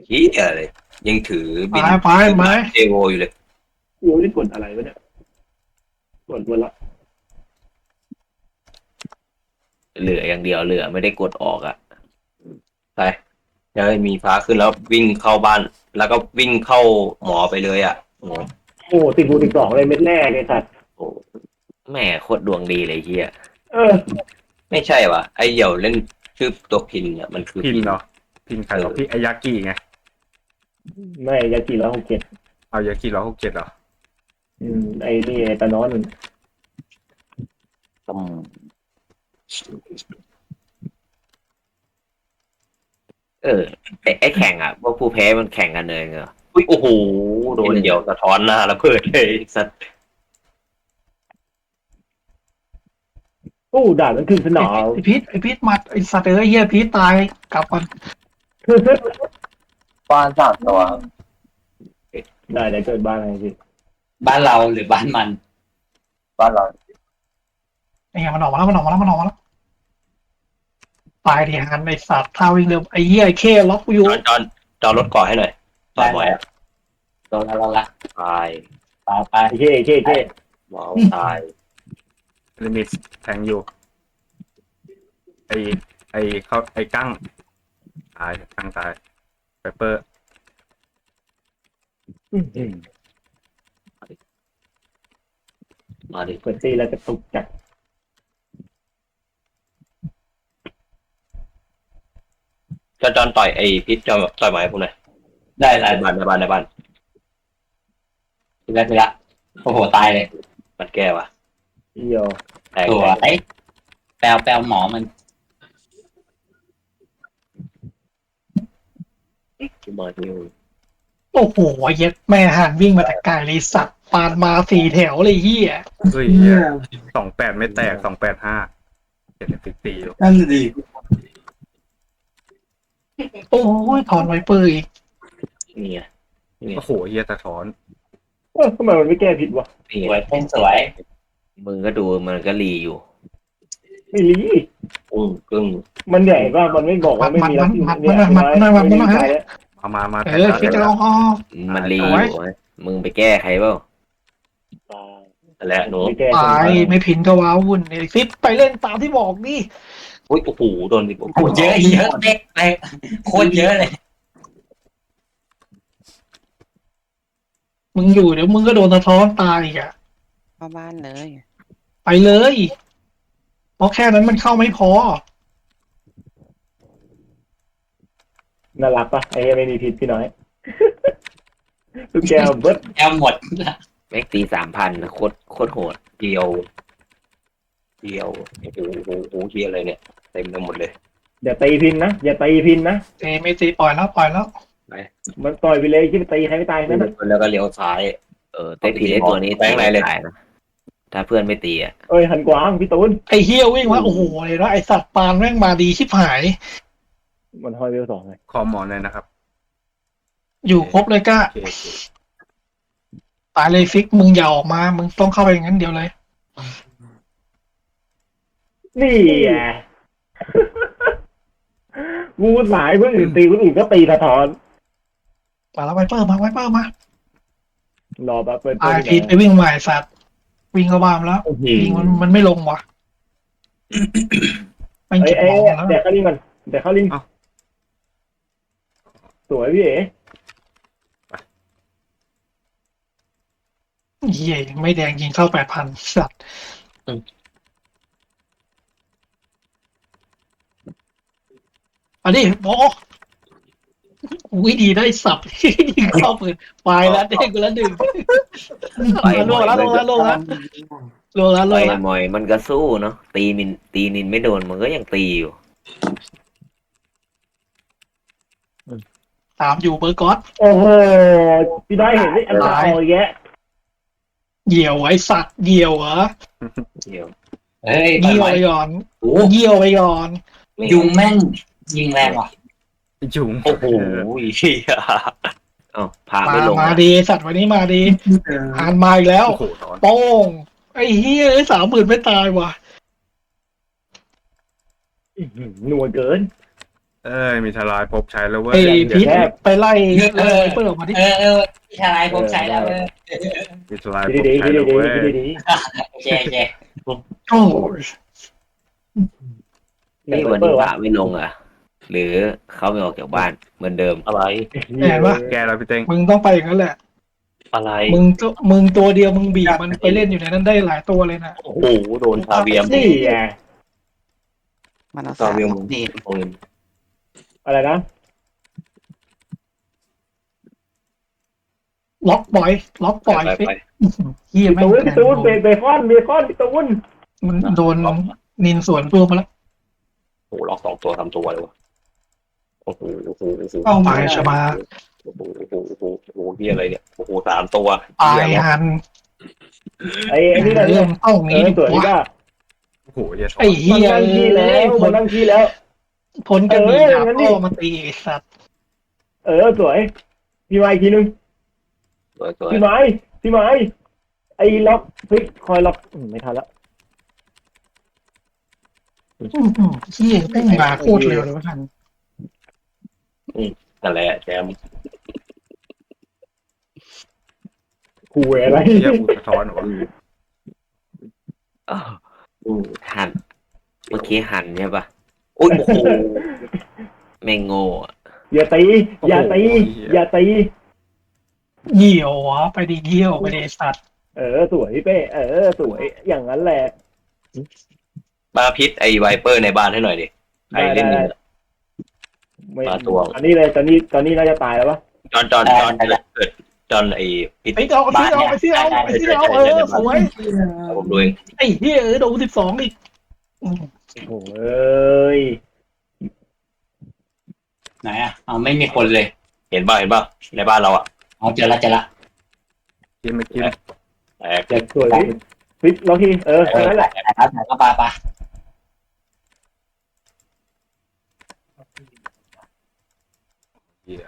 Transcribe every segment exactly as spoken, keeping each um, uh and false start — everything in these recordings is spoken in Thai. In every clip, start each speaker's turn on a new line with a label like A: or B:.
A: เฮียเลยยังถือ
B: ไป
A: บิน
B: ไปไป
A: เอโวอยู่เลย
C: กูไม่ได้กดอะไรวะเนี่ยกดหมดละ
A: เหลืออย่างเดียวเหลือไม่ได้กดออกอ่ะไปจะให้มีฟ้าขึ้นแล้ววิ่งเข้าบ้าน แล้วก็วิ่งเข้าหมอไปเลยอ่ะโอ้โห
C: โอ้ติดบูติดสองเลยเม็ดแรกเลยสัตว์
A: โอ้แม่โคตรดวงดีเลยเฮีย
C: เออ
A: ไม่ใช่วะไอเหี่ยวเล่นชื่อตัวพินเนี่ยมันคือ
D: พินเหรอพินใครเหรอพี่ไอยากิไง
C: ไม่ยากี่ร้อยหกเจ็ด
D: เอายากิร้อยหกเจ็ดเหรอ
C: อืมไอ้นี่ไอ้ตานอนมัน
A: อืมเออไอไอแข่งอ่ะพวกผู้แพ้มันแข่งกันเลยเหรออุ้ยโอ้โหโดนเหี่ยวสะท้อนหน้าแล้วเพิดเลยสัตว์
C: โอ้ด่านมันขึ้นสนาม
B: ไอพีทไอพีทมัดไอสัตว์เอ้ยเหี้ยพีทตายกลับมัน
E: บ้านสามตัว
C: ได้ได้เกิดบ้านอะไรสิ
E: บ้านเราหรือบ้านมัน บ้านเรา
B: ไอ้เหี้ยมันออกมาแล้วมันออกมาแล้วมันออกมาแล้วตายดิฮันไอสัตว์ท่าวิ่งเร็วไอเหี้ยไอเคล็อกกูอยู่
A: จอนจอนจอนรถก่อให้หน่อยจอนหมอยอ่ะ
E: โดนแล้วละ
A: ตาย
E: ตายไป
C: ไอ้เช่เช่เช่
A: หมอตาย
D: ลิมิตแทงอยู่ไอไอเขาไอกั้งตายกั้งตายเปเปอร์
A: มาดิ
C: กดตีแล้วจะตุกจัด
A: จอนจอนต่อยไอพิษจอนต่อยหมอยพวกหน่อย
E: ได้
A: ใน
E: ได้
A: บ้านในบ้านในบ้าน
E: ทีละทีละโอ้โหตายเลย
A: มันแก้วะ
C: เอียว
A: แตก
E: ตัว
A: แตก
E: ไอ้แปลวแปลวหมอมัน
A: มาดิว
B: โอ้โหเย็ดแม่หันวิ่งมาแต่ไกลเลยสัตว์ปานมาสี่แถวเลยเหี้ย
D: เฮ้ยสองแปดไม่แตกสองแปดห้าเจ็ดสิบสี่อยู่
E: นั่นดี
B: โอ้ยถอนไวเปอร์อีก
A: นี่ไง
D: โอ้โหเฮียสะท้อน
C: เออทำไมมันไม่แก้ผิดวะ
A: นี่
E: ส
A: ไง
E: วยเป็นสวย
A: มึงก็ดูมันก็รีอยู่
C: ไม่รี
A: อุ้งกึ้ง
C: มันใหญ่ป่ะมันไม่บอกว่าไม่มีรับเนี่ย
D: มามามาแท
B: เอง อคิดจะเอาออก
A: มันรีอยู่มึงไปแก้ใครเปล่าแล้วหนู
B: ตายไม่พินก็ว้าวุ่นไอฟิตไปเล่นตามที่บอกดิ
A: อุ้ยโอ้โหโดนดิ
E: โอ้โหเยอะเยอะเด็กไปโคตรเยอะเลย
B: มึงอยู่เดี๋ยวมึงก็โดนสะท้อนตายอีกอะ
F: เข้าบ้านเลย
B: ไปเลยเพราะแค่นั้นมันเข้าไม่พอ
C: น่ารักป่ะไอ้ไม่มีผิดพี่น้อยทุกแก้วเบิร์ด
E: แอลหมด
A: แม็กตีสามพันโคตรโคตรโหดเดียวเดียวโอ้โหโอ้โหเฮียอะไรเนี่ยเต็มไปหมดเลย
C: อย่าตีพินนะอย่าตีพินนะ
B: เตไม่ตีปล่อยแล้วปล่อยแล้ว
C: มันต่อยไปเลยที่ไปตีใครไม่ตายนั่น
A: แล้วก็เลี้ยวซ้าย เออเตะผีไอ้ตัวนี้แป้งไรเลยนะถ้าเพื่อนไม่ตีอ่ะ
C: เอ้ยหันกวางพี่ตูน
B: ไอเฮียวิ่งว่าโอ้โหเลยนะไอสัตว์ปานแม่งมาดีชิบหาย
C: มันห้อยเวลสองเลย
D: คอมหมอนเลยนะครับ
B: อยู่ครบเลยก็
D: โอเคโอเค
B: ตายเลยฟิกมึงอย่าออกมา มึงต้องเข้าไปอย่างนั้นเดียวเลย
C: นี่ไงงูสายเพื่อนอื่นตีคนอื่นก็ตีสะท้อน
B: มาแล้วไวเปอร์มาไวเปอร์มาร
C: อแป๊บเปิด
B: ตายพีทไปวิ่งใหม่สัตว์วิ่งเข้าบ้านแล้ววิ่งมันมันไม่ลงว่ะมัน
C: เอ้
B: เก็
C: ย
B: บ
C: เอ้
B: ของ
C: ย
B: แล้ว
C: เดี๋ยวเข้าลิงก่อนเดี๋ยวเข้าลิงสวยพี่เอ๋
B: เฮียไม่แดงยิงเข้าแปดพันสัตว์อันนี้โอ้อุ้ยดีได้สับยิงเข้าปืนไปแล้วเด้งไปแล้วหนึ่งลงแล้วลงแล้วลงแล้วลงแล้วล
A: ไป
B: งแล้ว
A: มอยมันก็สู้เนาะตีมินตีนินไม่โดนมันก็ยังตีอยู่
B: ตามอยู่เบอร์ก๊อต
C: โอ้โหพี่ได้เห็นได้อันตรายแยะ
B: เหยี่ยวไอ้สัตว์เหยี่ยวเหรอ
A: เดี๋ยว
E: เฮ้ย
B: เยี่ยวไปก่อน
E: โอ้
B: เยี่ยวไปก่อน
E: ยุงแม่งยิงแรงว่ะ
D: จุง
A: โอ้โหเฮียเอ้าพา
B: มา
A: ไม่ลง
B: มาดีสัตว์วันนี้มาดีอ่านมาอีกแล้ว
D: โอ้โหถอน
B: โป้งไอ้เฮียไอ้สามหมื่นไม่ตายว่ะ
C: หน่วยเกิน
D: เอ้ยมีทลายภพใช้แล้วเว้ย
B: ไอ้
D: เดี๋
B: พี
D: ยว
B: ทไปไล่ไล่ไวเปอร์ออกมาดิ
E: เออเออพี่ชายผมใช้แล้วเออ
D: มีทลาย
C: คิ
D: ภ
C: ด
D: พ
C: ดีๆ
D: ใช้
C: คิด
D: แล้ว
C: ดี
D: เว้
C: ๆคิด
D: ย
C: ดี
E: โอเคโอเค
B: โอ้ย
C: ๆ
A: นี่วัน
C: เปิ
A: นี้
C: ด
A: พ
C: วะ
A: ระไม่ลงอ่ะ หรือเขาไม่ออกจากบ้านเหมือนเดิม
F: อะไร
B: แหมวะ
D: แกแล้วพี่เต้ง
B: มึงต้องไปอย่างนั้นแหละ
F: อะไร
B: มึงตัวมึงตัวเดียวมึงบีบมันไปเล่นอยู่ในนั้นได้หลายตัวเลยนะ
F: โอ้โหโดนชาเวียม
C: นี่ไง
G: มันเอา
F: ชา
G: สาม
F: เวียม
G: ดี
F: โอ้ย
C: อะไรนะ
B: ล็อกบอยล็อกบอย
A: ไป
B: ฟิก
A: ไป
B: เฮีย
C: พี่
B: แม่ง
C: ตูนพี่ตูนเบเบคอนเบคอนพี่ตูน
B: มันโดนนินสวนตัวมาแล้ว
F: โอ้โหล็อกสองตัวทำตัวเลยวะโอ้โหโอ้โหโอ้โห
B: เข้ามาชมา
F: โอ้โหโอ้โหโอ้โหโอ้โหเหียอะไรเนี่ยโอ้โหสามตัว
B: ตายหัน
C: ไอ้ไอ้นี่นะ
B: เริ่มต้อง
C: เอ
B: นี้
C: อ
B: ดี
C: สวย
B: กว่า
C: ก็
D: โอ้โหเหี้ย
B: ไอ้
C: มั
B: เฮี
C: น
B: ย
C: นั่งขี้แล้วมันนั่งขี้แล้ว
B: พ้นกระบี่
C: เออ
B: ดาบ
C: งั้นดิ
B: พ่อมาตีไอ้สัตว์
C: เออสวยพี่ไม้อีกทีนึง
F: สวยสวย
C: พี่ไม้พี่ไม้ไอ้ล็อกเฮ้ยคอยล็อกอืมไม่ทันละ
B: อื้อหือเฮียแม่งมาโคตรเร็วเลยว่าทัน
F: นั่นแหละแจม
C: คูอะไร
D: เหี้ยอุสะท้อนเหรอวะ
A: อ้าวอืมหัน เมื่อกี้หันใช่ปะโอ้ยโอ้โหแม่งโง่อะ
C: อย่าตีอย่าตีอย่าตี
B: เหี่ยววะไปดีเหี่ยวไปดีสัตว์
C: เออสวยพี่เป้เออสวยอย่างนั้นแหละ
A: มาพิษไอไวเปอร์ในบ้านให้หน่อยดิใครเล่นอยู่
C: ไม่
A: มาตัว
C: อันนี้เลยตอนนี้ตอนนี้น่าจะตายแล้วปะ
A: จอนจอนจอนเกิดจอนไอพิษ
B: ไอ้เอาไอ้เอาไอ้เอาไอ้เอาเออสวย
A: ผมดูเอง
B: ไอ้เฮียเออโดนสิบสองอีกอืม
C: โอ้โหเอ้ย
E: ไหนอ่ะเอาไม่มีคนเลย
A: เห็นป่ะเห็นป่ะในบ้านเราอ่ะ
E: เอาเจอละเจอละ
D: กินไม่กิน
A: แตก
C: เด็กสวยพี่ฟิตล็อกทีเออแค่นั้นแหละ
E: ไหนครับไหนก็ปาปา
D: เหี้ย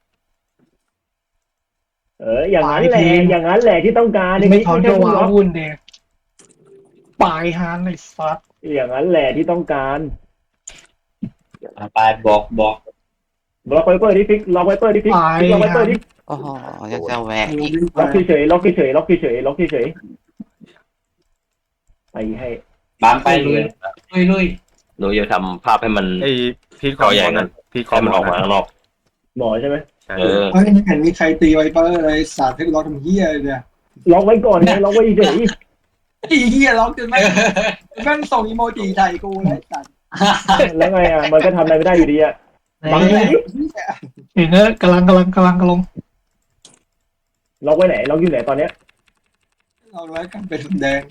C: เอออย่างนั้นแหละอย่างนั้นแหละที่ต้องการ
B: ไม่ถอน
C: ใช่
B: ตัว
C: ล็อก
B: วุ่นเด็กปลายฮานไอ้สัตว์
C: อย่างนั้นแหละที่ต้องการ
E: เอาไปบอกบอก
C: ล็อกไวเปอร์ที่ฟิกล็อกไวเปอร์ที่ฟิก
B: ปลาย
C: ล็อกไวเปอ
B: ฮา
C: ร์
B: น
C: ที่
G: โอ้โหยังจะแหวกอีก
C: ล็อกเฉยๆล็อกเฉยๆล็อกเฉยๆล็อกเฉยๆล็อกเฉยๆไปให้
E: บามไปลุยลุยลุย
A: หนูจะทำภาพให้มัน
D: ไอ้พีทค
A: ต่
D: อ
A: อใหญ่
D: ม
A: กั
D: อน นพีทคอ
A: ให้
D: ม
A: มันออกมาข้างนอก
C: หมอใช่ไหม
D: ใช่
A: เออ
H: เฮ้ยไม่เห็นมีใครตีไวเปอร์เลยสาดให้กูล็อกทำเฮียเลยเนี่ย
C: ล็อกไว้ก่อนไงล็อกไว้เฉย
H: ไอ้เฮียล็อกจนแม่งแม่งส่งอีโมจิใส่กูเลยสัตว์
C: ๆแล้วไงอ่ะมันก็ทำอะไรไม่ได้อยู่ดีอ่ะบัง
B: เ
C: ไหน
B: เห็นเนอะกำลังกำลังกำลังกำลัง
C: ล็อกไว้ไหนล็อกอยู่ไหนตอนเนี้ย
H: เราไว้กันเป็นแดง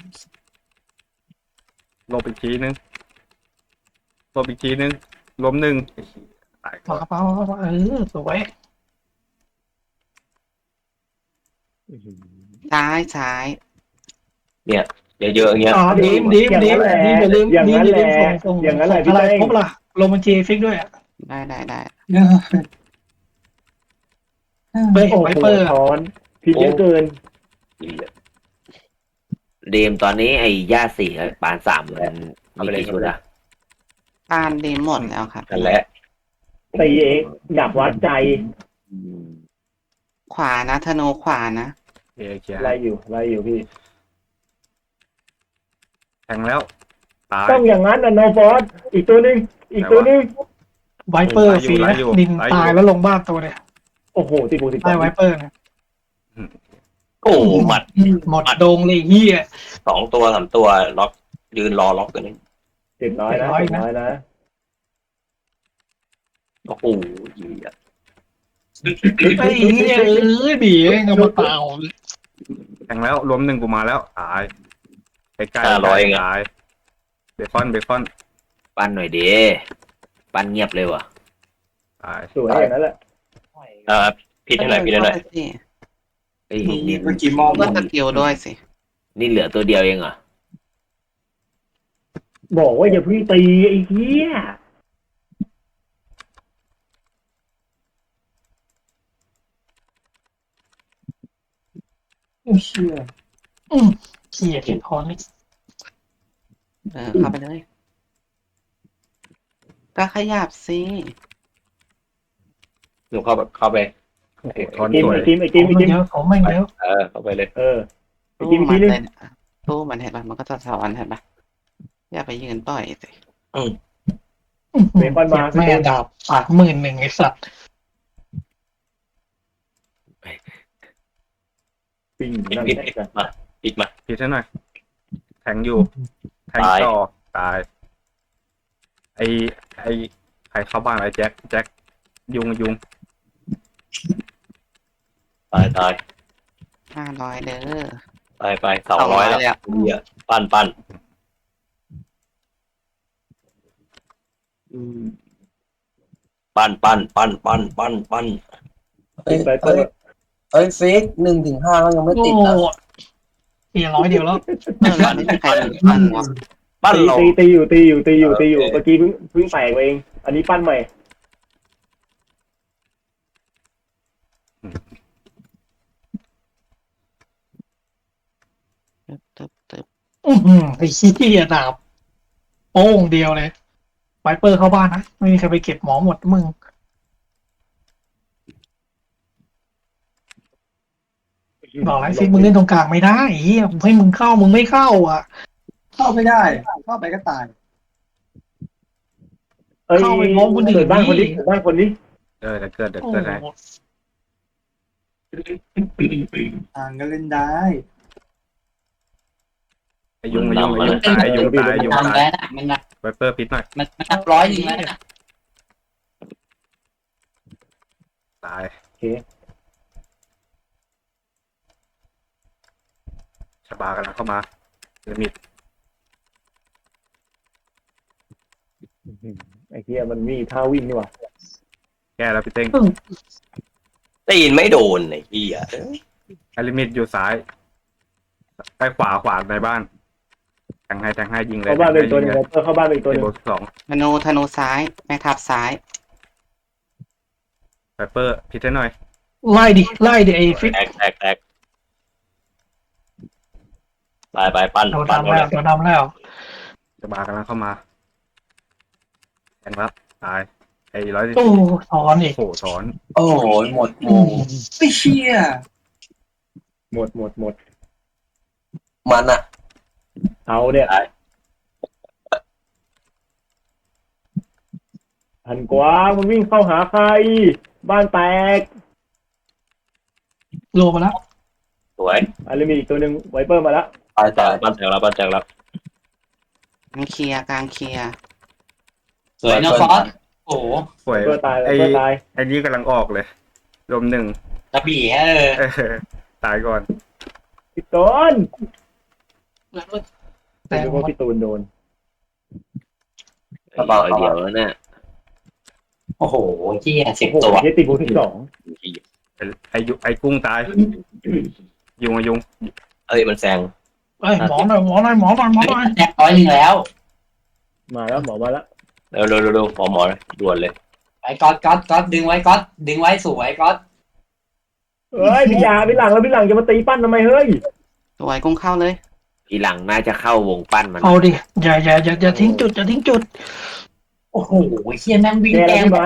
D: ลบอีกทีนึงลบอีกทีนึงล้มหนึ่งตาย
B: ปลาปลาปลาเออสวย
G: ซ้ายซ้าย
A: เยอะๆอย่างเงี้ย
B: อ่าดีมดีมดีมดีมอย่าลืม
C: อย่าง
B: ดีม
C: นั้น
B: อย่า
C: แห
B: ลื
C: ละ
B: มส่งส่ง
C: อย่างนั้นแหละ
B: ส่
C: พี่
B: งอะไร
C: เต้ง
B: ครบล่ะลงบัญชีฟิกด้วยอ่ะ
G: ได้ได้ได้
B: เฮ้ย
C: โอ้โห
B: ไวเปอร์
C: ถอนผิดเยอะเกิน
A: เดมตอนนี้ไอ้ย่าสี่กับปานสามมันมีกี่ชุดอะ
G: ปานเดมหมดแล้วครับ
A: นั่นแหละ
C: ตีเองดับวัดใจ
G: ขวานะธนูขวานะ
D: เอเคลียร์
C: ไล่อยู่ไล่อยู่พี่
D: แทงแล้วตาย
C: ต้องอย่างนั้นนะโนฟอสอีกตัวหนึงอีกตัวหนึง
B: ไวเปอร์ฟรี
D: ไล่
B: นะ
D: อยู่
B: นิน
D: ไล่อยู่
B: ตายแล้วลงบ้านตัวเนี่ย
C: โอ้โหติดบูติด
B: ได้ไวเปอร์เนี่ย
A: โอ้โหหมัด
B: หมดโดงเลยเฮีย
A: สองตัวสามตัวล็อกยืนรอล็อกกันนี่
C: เจ็ดน้อยนะ
B: เจ็
C: เจ็
B: ด
C: ด
B: ร้
C: น้
B: อ
C: อย ย
B: นะ
C: นะ
A: โอ้โหเหี้ย
B: ไอ้เฮียเอ้ยบีเองเอามาเปล่า
D: แทงแล้วล้มหนึ่งกูมาแล้วตายใกล้ใกล้
A: ห้าร้อยเองอะ
D: ตายเบคอนเบคอน
A: ปั้นหน่อยเด้ปั้นเงียบเลยว่ะ
D: ตาย
C: สวยอย่างนั้นแหละ
A: อ่าพิษให้หน่อยพิษให้หน่อย
G: เข้าไปสิ
A: ไอ้ยนี่
H: เมื่อกี้มอง
G: ก็สกิลด้วยสิ
A: นี่เหลือตัวเดียวเองเหรอ
C: บอกว่าอย่าเพิ่งตีไอ้เหี้ย
H: เชี่ย
B: เฮียเห็นทอนนี่
G: เออเข้าไปเลย ก็ขยับสิ
F: หนูเข้าไปเข้าไป
D: โอ้โหทอน
C: กิม
D: สวย
C: ไอ้กิมไอ้
B: ข
C: กิ
B: อ
C: ม
B: ง
C: ไอ้
B: มัน
C: กิม
B: เยอะของมันเยอะ
F: เออเข้าไปเลย
C: เออไอ้
G: ตู้
C: กิม
G: มั
C: ที
G: น
C: นึง
G: เลยตู้มันเห็นปะมันก็จะสอนเห็นปะอย่าไปยืนต่อยสิ
C: เบคอนมา
B: แม่ดาบสามหมื่นหนึ่งไอ้สัตว์
C: ปิ้ง
F: ปิด
C: นั่น
F: ปิด
C: แหละ
F: ปิดมาปิดมา
D: พิดให้หน่อยแทงอยู่แทง
F: ตาย
D: ต่อตายไอไอใครเข้าบ้านไอแจ็คแจ็คยุงยุง
F: ตายตาย
G: ห้าร้อยเด้อ
F: ตายไปสองร้อย
G: สองร้อย
F: แล้ว
G: เลยอะ
F: เหี้ยปั้นปั้น
C: อืม
F: ปั้นปั้นปั้นปั้นปั้นปั้น
C: ปิ้งไปเปิ
I: เอ้ย
C: ด
I: เอ้ยฟิกหนึ่งถึงห้าก็ยังไม่
B: โอ้
I: ติดนะ
B: เสียร้อยเดียวแล้ว
G: เออแล้วไม่มีใครยืนปั้นวะ
F: ปั้น
C: ตี
F: เรา
C: ตีตีอยู่ตีอยู่ตีอยู่ตีอยู่เมื่อกี้เพิ่งเพิ่งแตกเอง อันนี้ปั้นใหม่
G: ตึ๊บตึ๊บตึ๊บ
B: อื้อหือไอ้ขี้ยดาบโป้งเดียวเลยไวเปอร์เข้าบ้านนะไม่มีใครไปเก็บหมอหมดมึงบอกแล้วฟิกมึงเล่นตรงกลางไม่ได้ไอ้เฮียผมให้มึงเข้ามึงไม่เข้าอ่ะ
H: เข้าไม่ได้ เข้าไปก็ตาย
C: เอ้ย
B: เข้าไปพร้อมคนอื่น
C: เกิดบ้านคนนี้
B: ดิ
C: เกิดบ้านคนนี้
D: เออเดี๋ยวเกิดเดี๋ยว
B: โอ้
D: เกิดให้
B: โห
H: อ่างก็เล่นได้
D: ไอยุงไอยุงไอยุงตายยุงตายยุง
E: ทำ
D: ตาย
E: แล้วนะมันนับ
D: ไวเปอร์พิษหน่อย
E: มันมันนับร้อยหนึ่งแล้วนะ
D: ตาย
C: โอเค
D: ชบากำลังเข้ามาลิมิต
C: ไอ้เหี้ยมันมีท่าวิ่งนี่หว่า
D: แก้แล้วพี่เต้ง
F: ได้ยินไม่โดนไอ้เหี้ย
D: ไอลิมิตอยู่ซ้ายไปขวาขวาในบ้านแทงให้แทงให้ยิงเลย
C: เข้าบ้านไปอีกตัวหนึง
D: แท
C: ไวเปอร์เข้าบ้านไปอีกตัวห
D: ให้
C: นึ
D: ยิ
C: ง
D: งเลยสอง
G: ธนูธนูซ้าย แม่ทัพซ้าย
D: ไวเปอร์พิษให้หน่อย
B: ไล่ดิไล่ดิไอ้ฟิก
F: แตกแตกแตกตายไปปั้น
B: โดน
F: ปั้น
B: ดำ
F: เอา
B: แล้
F: เล
B: วย โดนดำแล้ว
D: ชบากำลังเข้ามาแทงรับตายไอร้อย
B: โอ้ถอนอีก
D: โผล่ถอน
I: โอ้โหหมดโมง
H: ไม่เชี่ย
C: หมดหมดหมด
I: มันอะ
C: เอาเนี่ยหันกว้างมันวิ่งเข้าหาใคร บ้านแตก
B: โลมาแล้ว
F: สวย
C: อันนี้มีอีกตัวหนึ่งไวเปอร์มาแล้ว
I: ตาย
F: แต
I: ตาก ย
F: ปั้นแตกแล้วปั้นแตกแล้ว
G: กลางเคลียร์กลางเคลียร์
E: สวยนะฟอสโอ้โห
D: ป่วย
C: ไวเปอร์ตายไว
D: ไอ
C: เปอร์ตาย
D: ไอนี้กำลังออกเลยรวมหนึ่ง
E: กระบี่เออ
D: เออตายก่อน
C: พี่ต้น
B: แต่
C: แต่ว่าพี่ตูนโดน
F: ไอ้ร้อยเดียวแล้วเนี่ย
E: โอ้โหเหี้ยสิบ
C: โอ้โห
E: ตัว
C: เฮติบูที่สอง
D: ไอไอยุไอกุ้งตาย ยุงอะยุง
F: เอ้ยมันแซง
B: เอ้ยหมอหน่อยหมอหน่อยหมอหน่อยหมอหน่อย
E: แตกร้อยหนึ่งแล้ว
C: มาแล้วหมอมาแล้ว
F: เร็วเร็วเร็วเร็วหมอหมอด่วนเลย
E: ไอ้ก๊อตก๊อตก๊อตดึงไว้ก๊อตดึงไว้สวยก๊อต
C: เฮ้ยพี่ยาพี่หลังแล้วพี่หลังจะมาตีปั้นทำไมเฮ้ย
G: สวยกุ้งเข้าเลย
A: ทีหลังน่าจะเข้าวงปั้นมัน
B: เอาดิอย่าอย่าอย่าอย่าทิ้งจุดอย่าทิ้งจุด
E: โอ้โหเฮียแม่งวิ่ง
C: แก
E: แก
C: แล้ว
E: ง
C: พี่ไม้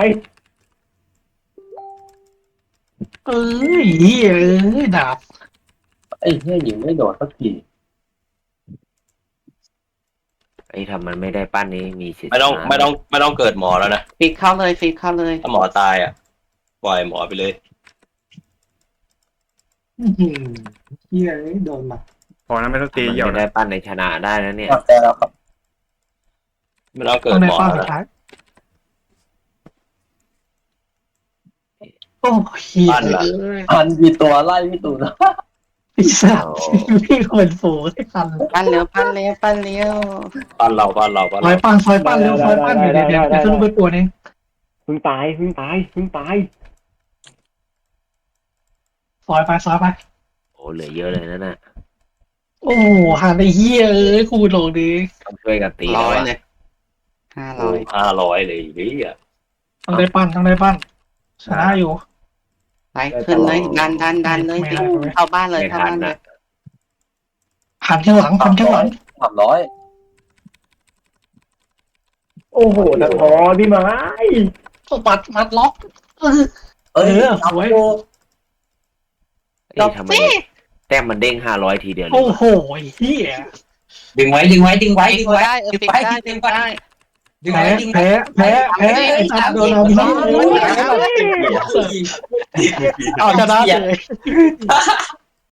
B: เอ้ยเหี้ยเอ้ยดาบ
I: ไอ้เหี้ยยิงไม่โดดสักที
A: ไอ้ทำมันไม่ได้ปั้นนี้มีสิทธิ์
F: ไม่ต้อง
A: ชนะ
F: ไม่ต้องไม่ต้องเกิดหมอแล้วนะ
G: ฟิกเข้าเลยฟิกเข้าเลย
F: ถ้าหมอตายอ่ะปล่อยหมอไปเลย
H: อื้อหือเฮียโดนมา
D: พอนั้นไม่ต้องตี
A: มัน
D: เหี่ยว
A: ไม่
D: นะ
A: ได้ปั้นในชนะได้นะเนี่ย
I: แต่แล้วครับ
F: ไม่ต้องเกิ
B: ต้
F: ด
B: องได้
F: หมอ
B: ป้า
F: แล้ว
B: สุด
F: นะ
B: ท้ายโอ้เหี้ย
F: ปั้นละ
B: เอ้ย
I: พันกี่ตัวไล่พี่ตูน
B: ไอ้สัตว์พี่เหมือนฝูงไอ้คัน
G: ปั้นเร็วปั้นเร็วปั้นเร็ว
F: ปั้นเราปั้นเราปั้น
B: ซอย
F: เรา
B: ปั้นซอยปั้นเร็วซอยปั้นเดี๋ยวเดี๋ยวเดี๋ยวจะขึ้นไปปวดเอง
C: เพิ่งตายเพิ่งตายเพิ่งตาย
B: ซอยไปซอยไป
A: โอ้เหลือเยอะเลยนั่นน่ะ
B: โอ้โหหาไอ้เหี้ยเอ้ยคูณลงดิ
A: ต้องช่วยกันตี
G: ร้
A: แล้ว
G: อย
A: อะ
G: เลยห้า
F: โอ้
G: ร้อย
F: ห้าร้อยเลยนี่อ่ะ
B: ต้องได้ปั้นต้องได้ปั้นชนะอยู่
G: ไปขึ้นเลยดันดันดันเลยฟิกเข้าบ้านเลย
A: ไม่
G: เข้า
A: ทัน
G: บ้านเล
A: นะ
G: ย
B: หันข้างหลังหันข้างหลัง
I: สามร้อย
C: โอ้โหตะทอนพี่ไม้
B: ต้องปัดมัดล็อกเออ
I: เอ้ย
B: เออ
I: จับ
B: สวย
I: โอ้
A: เอ้ยทำไมแต้มมันเด้งห้าร้อยทีเดียวเลย
B: โอ้
A: วะ
B: โหเฮีย
E: ดึงไว้ดึงไว้ดึงไว้
G: ฟิ
E: ดึ
G: ก
E: งไว้
G: ได้เออ
E: ดึง
G: ฟิก
E: ไว้
G: ได้
E: ดึ
G: ฟิ
E: ง
G: ก
E: ไว้
G: ได้
E: ดึง
B: แพ้
E: ไว้ดึง
B: แพ้แพ้แพ้ไอ้ตัดโดนเอาพี่เอาชนะเลย